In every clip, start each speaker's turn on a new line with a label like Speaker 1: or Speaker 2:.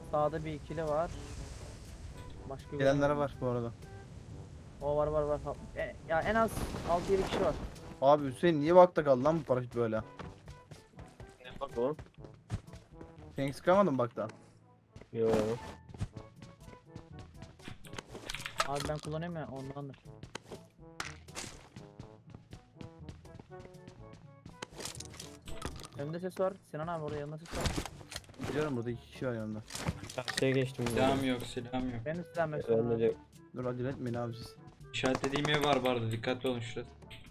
Speaker 1: Sağda bir ikili var. Başka bir
Speaker 2: Gelenlere var bu arada.
Speaker 1: O var. Ya en az 6-7 kişi var.
Speaker 2: Abi Hüseyin niye bakta kaldı lan bu paraşüt böyle?
Speaker 3: Ne bak oğlum?
Speaker 2: Sen sıkamadın bakta.
Speaker 3: Yo.
Speaker 1: Abi ben kullanıyorum ya ondandır. Önümde ses var. Sinan abi orada yanında ses var.
Speaker 2: Biliyorum burada 2 kişi var yanında.
Speaker 3: Karşıya geçtim.
Speaker 4: Silahım yok, silahım yok.
Speaker 1: Benim silahım yok. Sinan abi.
Speaker 3: Önce
Speaker 2: Dur acele etmeyin abi siz.
Speaker 4: İşaretlediğim ev var bu arada, dikkatli olun şurası.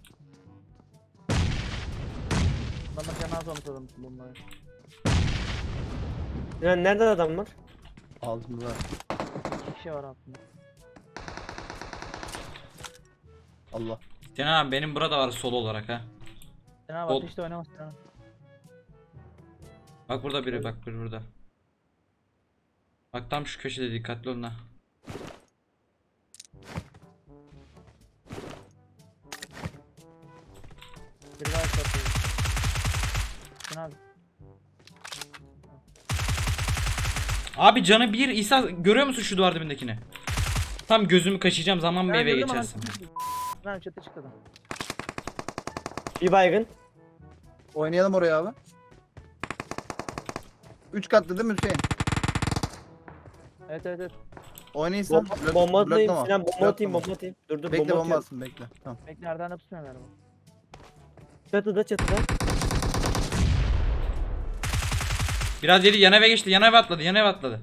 Speaker 1: Adamlar cenaze olmuş adam bunları.
Speaker 3: Sinan nerede adam var?
Speaker 2: Altımızda.
Speaker 1: 2 kişi var altında.
Speaker 4: Allah. Sinan abi benim burada var solo olarak ha.
Speaker 1: Sinan abi
Speaker 4: Ol-
Speaker 1: ateşte oynamaz Sinan abi.
Speaker 4: Bak burada biri, bak biri burada. Bak tam şu köşede, dikkatli olun ha.
Speaker 1: Biri daha çarpıyor. Sinan abi.
Speaker 4: Abi canı bir, İsa görüyor musun şu duvar dibindekini? Tam gözümü kaşıyacağım zaman mı eve
Speaker 1: gördüm ama-
Speaker 4: geçersin?
Speaker 1: Sinan abi çatı çıktı adam.
Speaker 3: Bir baygın.
Speaker 2: Oynayalım oraya abi. 3 katlı değil mi Hüseyin?
Speaker 1: Evet.
Speaker 2: Oynayırsan
Speaker 3: Bomba atayım
Speaker 2: bloklama.
Speaker 3: Sinan, bomba atayım,
Speaker 2: Bloklama.
Speaker 3: bomba atayım. Dur
Speaker 2: Bekle
Speaker 3: bomba
Speaker 2: bomba
Speaker 3: atıyorum.
Speaker 2: atsın bekle. Tamam.
Speaker 1: Bekle nereden de tutmuyor galiba.
Speaker 3: Çatıda.
Speaker 4: Biraz yedi, yan eve geçti, yan eve atladı.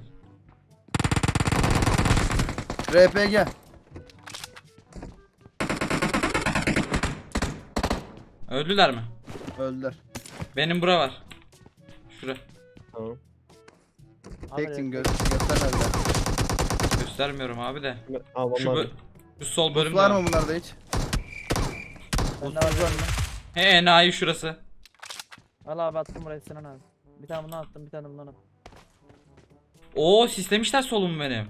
Speaker 2: RPG.
Speaker 4: Öldüler mi?
Speaker 2: Öldüler.
Speaker 4: Benim bura var. Şura.
Speaker 3: Tamam.
Speaker 1: Abi,
Speaker 2: Teksin
Speaker 1: evet.
Speaker 2: göstermediler.
Speaker 4: Göstermiyorum abi de.
Speaker 3: Al bomba
Speaker 4: Şu,
Speaker 3: atayım.
Speaker 4: şu sol
Speaker 2: Buz
Speaker 4: bölümde
Speaker 2: var
Speaker 4: var.
Speaker 2: mı bunlarda hiç?
Speaker 1: Bende var mı?
Speaker 4: He enayi şurası.
Speaker 1: Al abi attım buraya Sinan abi. Bir tane bundan attım, bir tane bundan attım.
Speaker 4: Oo sislemişler solumu benim.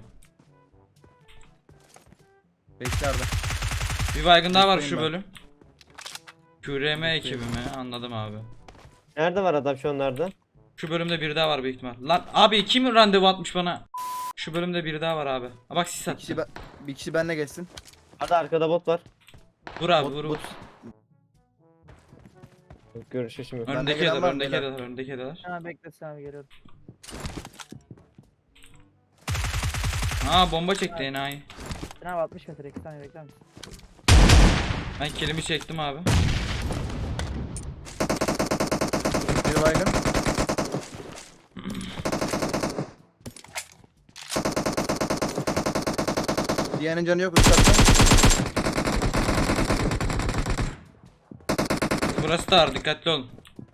Speaker 2: Beklerde.
Speaker 4: Bir baygın daha var şu
Speaker 2: Bekleyin ben.
Speaker 4: bölüm. QRM ekibi mi? Anladım abi.
Speaker 3: Nerede var adam şu anlarda?
Speaker 4: Şu bölümde biri daha var büyük ihtimal. Lan abi kim randevu atmış bana? Şu bölümde biri daha var abi. Ha bak sis
Speaker 2: Bir kişi,
Speaker 4: attı.
Speaker 2: bir kişi benle geçsin.
Speaker 3: Hadi arkada bot var.
Speaker 4: Vur abi
Speaker 2: Bot-
Speaker 4: vur.
Speaker 2: bot-
Speaker 3: Görüşürüz şimdi.
Speaker 2: Bende
Speaker 4: Öndeki
Speaker 2: gelen
Speaker 4: eder,
Speaker 2: var mı
Speaker 4: öndeki
Speaker 2: beyler?
Speaker 4: eder, öndeki eder.
Speaker 1: Sinan bekle Sinan abi geliyorum.
Speaker 4: Aa bomba çekti enayi.
Speaker 1: Sinan abi 60 metre 2 saniye bekler misin?
Speaker 4: Ben kilimi çektim abi.
Speaker 2: Bir baygın. Diğerinin canı yok üst katta.
Speaker 4: Burası da ağır, dikkatli olun.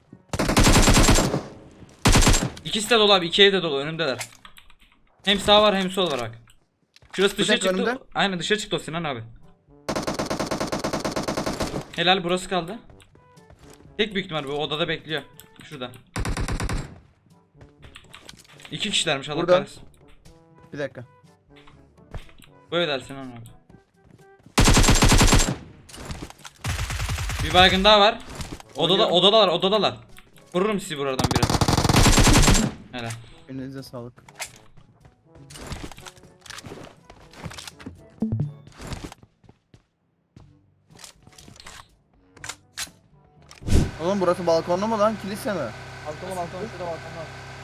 Speaker 4: İkisi de dolu abi, iki ev de dolu, önümdeler. Hem sağ var hem sol var bak. Şurası dışarı
Speaker 2: tek
Speaker 4: çıktı.
Speaker 2: önünde.
Speaker 4: Aynen dışarı çıktı o Sinan abi. Helal, burası kaldı. Tek büyük ihtimal bu odada bekliyor. Şurada. İki kişilermiş, Allah
Speaker 2: Burada.
Speaker 4: kahretsin.
Speaker 2: Bir dakika.
Speaker 4: Böyle der Sinan abi. Bir baygın daha var.
Speaker 2: Oynuyorum.
Speaker 4: Odadalar. Vururum sizi buradan biraz. Helal.
Speaker 2: Elinize sağlık. Oğlum burası balkonlu mu lan? Kilise mi?
Speaker 1: Balkona şurada balkonda.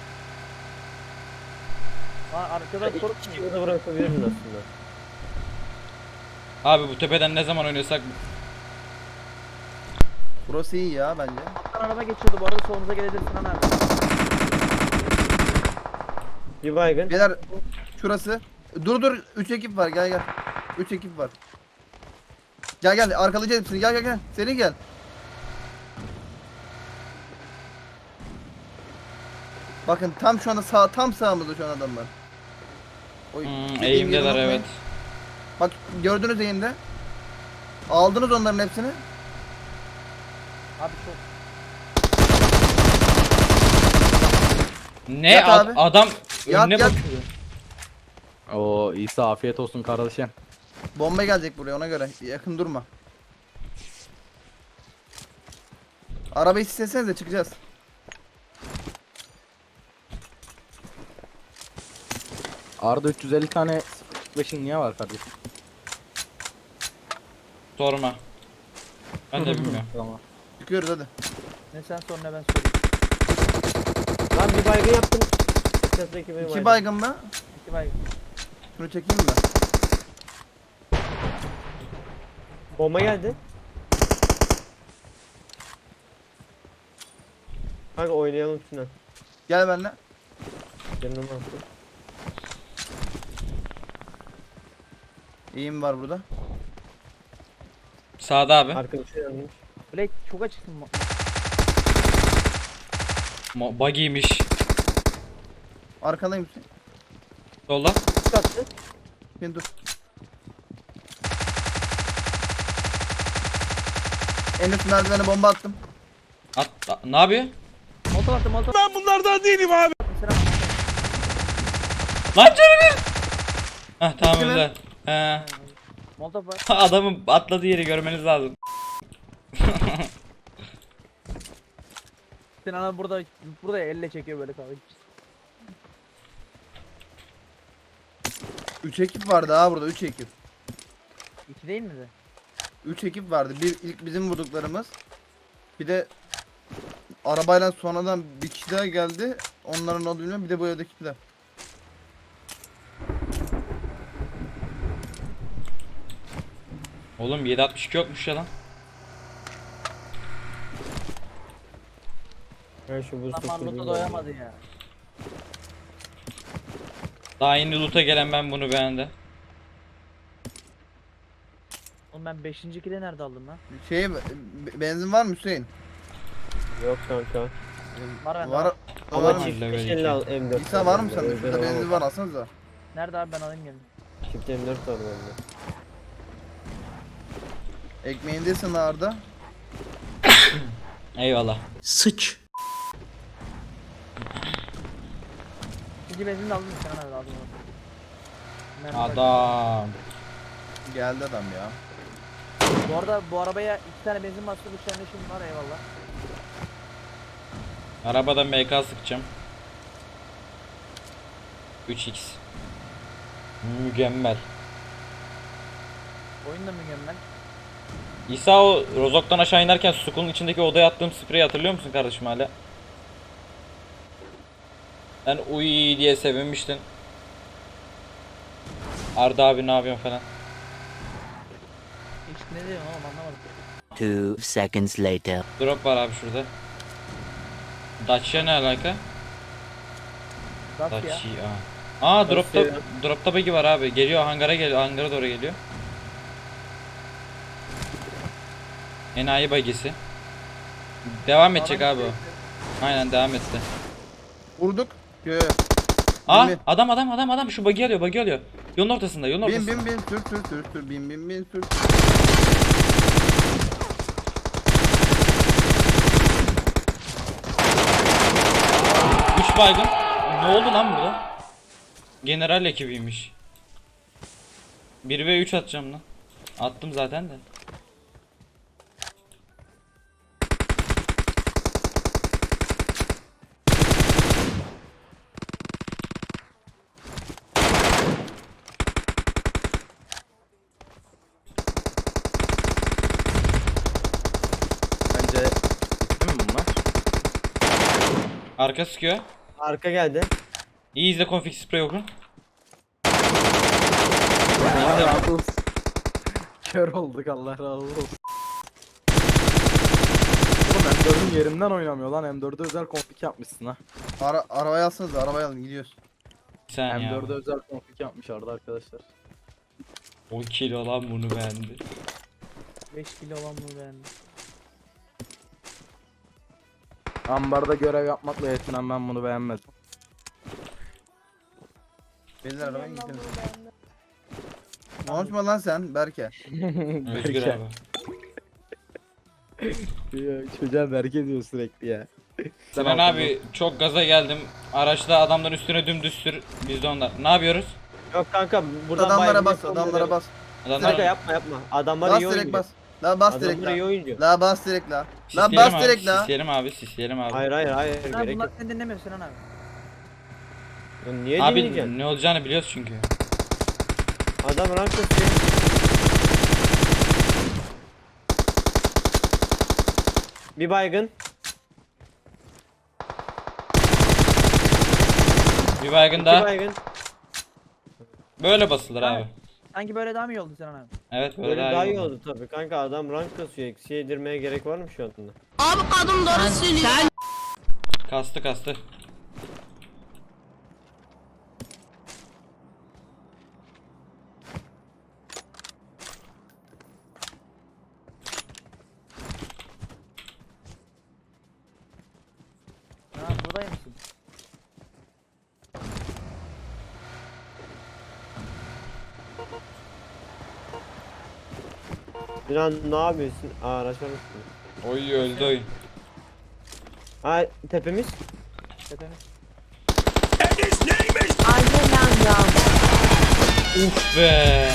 Speaker 1: Lan arkada koruk
Speaker 3: İki burada bırakabiliriz aslında.
Speaker 4: Abi bu tepeden ne zaman oynuyorsak
Speaker 2: Burası iyi ya bence.
Speaker 1: Alttan araba geçiyordu bu arada solunuza gelebilir Sinan abi.
Speaker 3: Bir baygın.
Speaker 2: Beyler şurası. Dur 3 ekip var gel. 3 ekip var. Gel arkalayacağız hepsini gel. Seri gel. Bakın tam şu anda tam sağımızda şu an adamlar. Oy, dediğim yeri
Speaker 4: eğimdeler
Speaker 2: unutmayın.
Speaker 4: evet.
Speaker 2: Bak gördünüz eğimde. Aldınız onların hepsini.
Speaker 1: Abi çok.
Speaker 4: Ne
Speaker 2: Yat abi.
Speaker 4: adam
Speaker 2: Yat,
Speaker 4: önüne
Speaker 2: yat.
Speaker 4: bakıyor.
Speaker 5: Oo İsa afiyet olsun kardeşim.
Speaker 2: Bomba gelecek buraya ona göre. Yakın durma. Arabayı sislesenize çıkacağız.
Speaker 5: Arda 350 tane 0.5'in niye var kardeşim?
Speaker 4: Sorma. Ben de bilmiyorum.
Speaker 5: Tamam.
Speaker 2: Çıkıyoruz hadi.
Speaker 1: Ne sen sor ne ben sorayım.
Speaker 3: Lan bir baygın yaptım. Etrafındaki benim
Speaker 2: 2 baygın mı?
Speaker 1: İki baygın.
Speaker 2: Şunu çekeyim mi?
Speaker 3: Bomba geldi. Kanka oynayalım Sinan.
Speaker 2: Gel benimle.
Speaker 3: Canım attı.
Speaker 2: İyiyim var burada.
Speaker 4: Sağda abi.
Speaker 3: Arkadaşı yanmış.
Speaker 1: Black çok açıksın.
Speaker 4: Buggy'ymiş.
Speaker 2: Arkandayım Hüseyin.
Speaker 4: Solda.
Speaker 3: Üst attı.
Speaker 2: Hüseyin dur. En üst merdivene bomba attım.
Speaker 4: Ne yapıyor?
Speaker 1: Molotov attım molotov. Ben bunlardan değilim abi. Mesela
Speaker 4: Lan canı bir. Heh tamam
Speaker 2: Bitti mi?
Speaker 4: öyle. He.
Speaker 1: molotov var.
Speaker 4: Adamın atladığı yeri görmeniz lazım.
Speaker 1: Sen ana burada elle çekiyor böyle kalıyor.
Speaker 2: 3 ekip vardı ha burada 3 ekip.
Speaker 1: İki değil mi de?
Speaker 2: 3 ekip vardı. Bir ilk bizim vurduklarımız. Bir de arabayla sonradan bir kişi daha geldi. Onların olduğunu bilmiyorum. Bir de bu evdekiler.
Speaker 4: Oğlum 7.62 yokmuş ya lan.
Speaker 3: Ben şu boost
Speaker 1: Tam Arnavut'a doyamadı ya.
Speaker 4: Daha yeni loot'a gelen ben bunu beğendi.
Speaker 1: Oğlum ben 5. kile nerede aldım lan?
Speaker 2: Benzin var mı Hüseyin?
Speaker 3: Yok kanka.
Speaker 1: Var bende.
Speaker 2: Var.
Speaker 3: Ama
Speaker 2: Var mı?
Speaker 3: çift
Speaker 4: Level
Speaker 3: 550
Speaker 4: iki.
Speaker 3: al M4.
Speaker 2: İsa var mı sende?
Speaker 3: Özel
Speaker 2: Şurada benzin
Speaker 3: alamam.
Speaker 2: var alsanıza.
Speaker 1: Nerede abi ben alayım gelin.
Speaker 3: Çift M4 var bende.
Speaker 2: Ekmeğindesin Arda.
Speaker 4: Eyvallah.
Speaker 1: İkinci benzin de aldın mı sen nerede aldın onu? Mermi var.
Speaker 4: Adam.
Speaker 2: Geldi adam ya.
Speaker 1: Bu arada bu arabaya 2 tane benzin bastı 3 tane de şimdi var eyvallah.
Speaker 4: Arabadan MK sıkacağım. 3x. Mükemmel.
Speaker 1: Oyun da mükemmel.
Speaker 4: İsa o Rozok'tan aşağı inerken Sukul'un içindeki odaya attığım spreyi hatırlıyor musun kardeşim hala? Sen uy diye sevinmiştin. Arda abi ne yapıyorsun falan.
Speaker 1: Hiç ne diyorsun oğlum anlamadım.
Speaker 6: 2 seconds later.
Speaker 4: Drop var abi şurada. Dacia ne alaka?
Speaker 1: Dacia.
Speaker 4: Dacia. Aa dropta
Speaker 3: Dacia.
Speaker 4: dropta buggy var abi. Geliyor hangara geliyor. Hangara doğru geliyor. Enayi buggy'si. Devam edecek abi o. Aynen devam etti.
Speaker 2: Vurduk. Yo.
Speaker 4: Aa
Speaker 2: Bin,
Speaker 4: adam şu buggy alıyor. Yolun ortasında yolun
Speaker 2: Bin
Speaker 4: ortasında.
Speaker 2: bin sür bin sür.
Speaker 4: Üç baygın. Ne oldu lan burada? General ekibiymiş. 1 ve 3 atacağım lan. Attım zaten de.
Speaker 5: Bence bitti mi bunlar?
Speaker 4: Arka sıkıyor.
Speaker 3: Arka geldi.
Speaker 4: İyi izle config spray okun.
Speaker 5: Allah razı olsun. Kör olduk Allah razı olsun. Oğlum M4'ün yerinden oynamıyor lan. M4'e özel config yapmışsın ha.
Speaker 2: Arabayı alsanıza arabayı alın gidiyoruz.
Speaker 4: Bir saniye
Speaker 5: M4'e
Speaker 4: abi.
Speaker 5: özel config yapmış Arda arkadaşlar.
Speaker 4: O kilo lan bunu beğendi.
Speaker 1: 5 kilo olan bu beğendim.
Speaker 5: Ambarda görev yapmakla yetinen ben bunu beğenmedim.
Speaker 2: Beyler arabaya gidelim. Konuşma lan sen Berke.
Speaker 4: Özgür abi.
Speaker 5: Çocuğa berke diyor sürekli ya.
Speaker 4: Sinan abi çok gaza geldim. Araçta adamların üstüne dümdüz sür. Biz de onlar. Ne yapıyoruz?
Speaker 3: Yok kanka buradan
Speaker 2: Adamlara
Speaker 3: baygın
Speaker 2: bas
Speaker 3: yapalım
Speaker 2: adamlara
Speaker 3: dedim.
Speaker 2: bas.
Speaker 3: Kanka
Speaker 4: Adamlar
Speaker 3: yapma. Adamlar
Speaker 2: Bas
Speaker 3: iyi
Speaker 2: direkt
Speaker 3: oynuyor.
Speaker 2: bas. La bas direkt
Speaker 3: Adamlar iyi
Speaker 2: la.
Speaker 3: oynuyor.
Speaker 2: La bas direkt la. La
Speaker 4: sisleyelim
Speaker 2: bas
Speaker 4: abi,
Speaker 2: direkt la.
Speaker 4: Sisleyelim abi.
Speaker 3: Hayır
Speaker 1: Ha
Speaker 3: gerek
Speaker 1: bunlar
Speaker 3: yok.
Speaker 1: seni dinlemiyor Sinan abi.
Speaker 3: Lan niye dinleyeceksin?
Speaker 4: Abi ne olacağını biliyoruz çünkü.
Speaker 3: Adam rank kasıyor. Bir baygın.
Speaker 4: Bir baygın
Speaker 3: İki
Speaker 4: daha.
Speaker 3: baygın.
Speaker 4: Böyle basılır
Speaker 1: Ha.
Speaker 4: abi.
Speaker 1: Sanki böyle daha mı iyi oldu Sinan abi?
Speaker 4: Evet böyle,
Speaker 3: Böyle daha iyi
Speaker 4: oldu.
Speaker 3: oldu tabii kanka, adam rank kasıyor. Eksi yedirmeye gerek var mı şu anda?
Speaker 4: Kastı kastı.
Speaker 1: Ha buradaymışsın.
Speaker 3: Sinan ne yapıyorsun? Aa, araç var mı?
Speaker 4: Oy öldü oyun.
Speaker 3: Ha, tepemiz.
Speaker 1: Tepemiz.
Speaker 4: Uf be.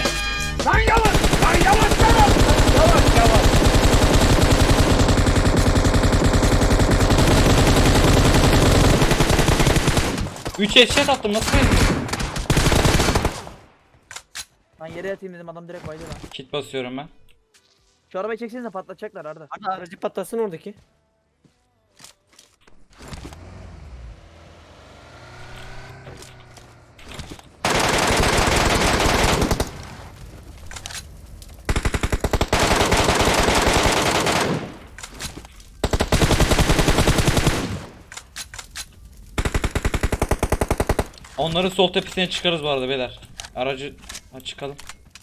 Speaker 4: Üç headshot attım, nasıl bezdin?
Speaker 1: Lan yere yatayım dedim, adam direkt bayıldı lan.
Speaker 4: Kit basıyorum ben.
Speaker 1: Şu arabayı çeksenize, patlatacaklar Arda.
Speaker 3: Arda aracı patlasın oradaki.
Speaker 4: Onların sol tepesine çıkarız bu arada beyler. Aracı çıkalım.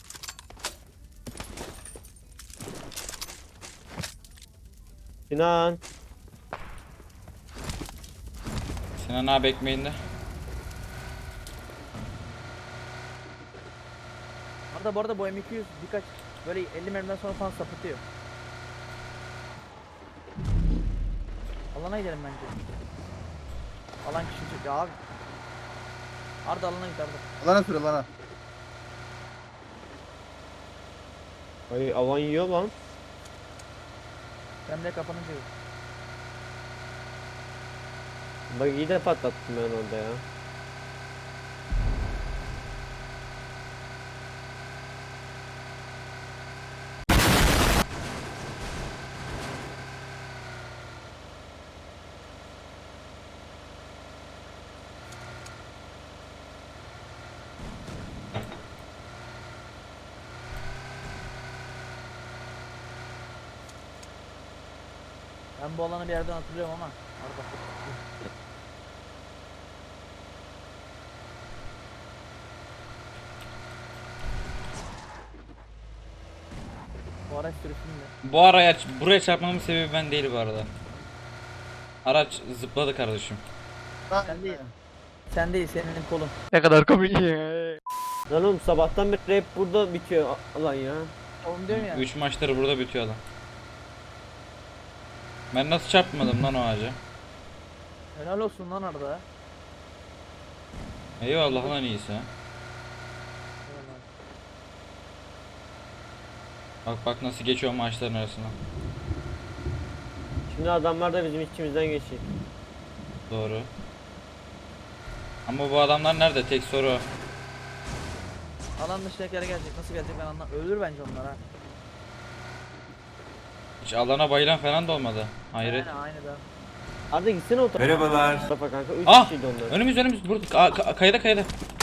Speaker 3: Sinan.
Speaker 4: Sinan abi ekmeğinde.
Speaker 1: Arda bu arada bu M200 birkaç böyle 50 mermiden sonra falan sapıtıyor. Alana gidelim bence. Alan küçücük ya abi. Arda alana git Arda.
Speaker 2: Lana süre lana.
Speaker 3: Ay, alan yiyor lan.
Speaker 1: Ben de kapanınca yok.
Speaker 3: Bak iyi de patlattım ben orada ya.
Speaker 1: Ben bu alanı bir yerden hatırlıyorum ama Arda. Bu araç sürüsünde.
Speaker 4: Bu araya buraya çarpmamın sebebi ben değil bu arada. Araç zıpladı kardeşim.
Speaker 1: Sen değil. Sen değil, senin kolun.
Speaker 5: Ne kadar komik.
Speaker 3: Lan oğlum, sabahtan beri hep burada bitiyor alan ya.
Speaker 1: Oğlum diyorum ya.
Speaker 4: 3 maçları burada bitiyor adam. Ben nasıl çarpmadım lan o ağaca?
Speaker 1: Helal olsun lan Arda.
Speaker 4: Eyvallah lan iyisi ha. Bak bak nasıl geçiyor maçların arasından.
Speaker 3: Şimdi adamlar da bizim içimizden geçiyor.
Speaker 4: Doğru. Ama bu adamlar nerede? Tek soru o.
Speaker 1: Alan dışındakiler gelecek. Nasıl gelecek ben anlam. Ölür bence onlar ha.
Speaker 4: Hiç alana bayılan falan da olmadı. Hayret.
Speaker 1: Aynı da.
Speaker 3: Arda gitsene o tarafa.
Speaker 7: Merhabalar.
Speaker 3: Tarafa kanka, 3
Speaker 4: Ah!
Speaker 3: kişiydi onlar.
Speaker 4: Önümüz burada. Kayada kayada.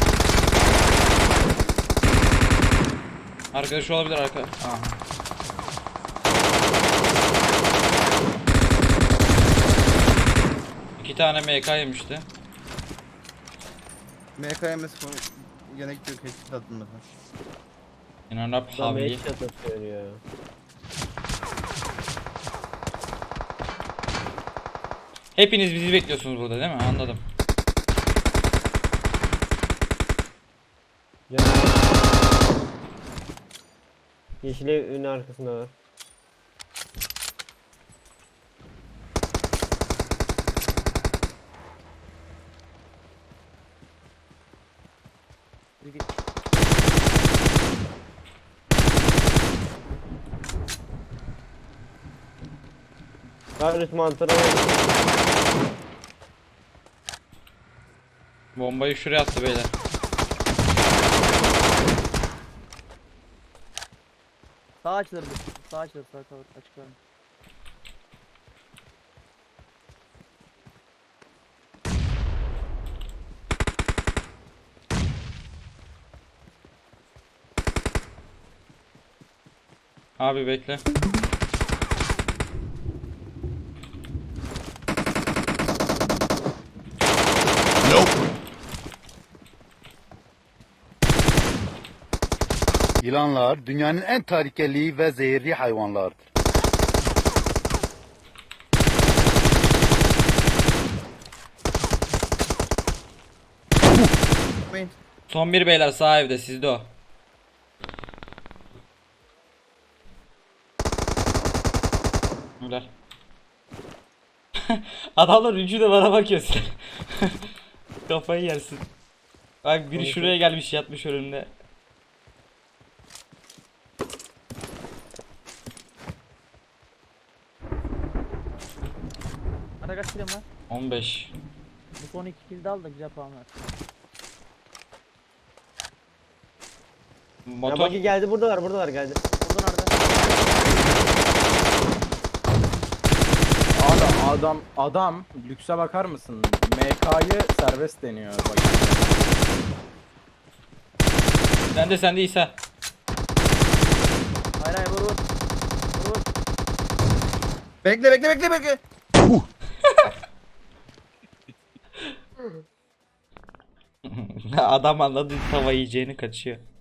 Speaker 4: Arkadaşı olabilir arka. Aha. İki tane MK yemişti.
Speaker 2: MKMS konu gerek yok headshot atılmadı.
Speaker 4: İnan Rab
Speaker 3: Adam
Speaker 4: havli.
Speaker 3: headshot atıyor ya.
Speaker 4: Hepiniz bizi bekliyorsunuz burada değil mi? Anladım.
Speaker 3: Ya. Yeşil evin arkasında var.
Speaker 1: Yürü git.
Speaker 3: Kardeş mantarı.
Speaker 4: Bombayı şuraya attı beyler.
Speaker 1: Sağ açılır bu. Sağ açılır. Sağ kalır. Açık var.
Speaker 4: Abi bekle.
Speaker 7: Yılanlar dünyanın en tehlikeli ve zehirli hayvanlardır.
Speaker 2: Gitmeyin.
Speaker 4: Son bir beyler sağ evde sizde o. Güzel. Adamlar üçü de bana bakıyor. Kafayı yersin. Bak biri şuraya gelmiş yatmış önümde.
Speaker 1: Ara kaç kilim var?
Speaker 4: 15.
Speaker 1: Bu son 2 kill de al da güzel puan ver.
Speaker 3: Ya
Speaker 4: Motor.
Speaker 3: bagi geldi, buradalar geldi.
Speaker 1: Buradan arada.
Speaker 5: Adam lükse bakar mısın? MK'yı serbest deniyor bak.
Speaker 4: Sen de İsa.
Speaker 1: Hayır hayır vur vur. Vur vur.
Speaker 2: Bekle.
Speaker 4: Adam anladı tava yiyeceğini kaçıyor.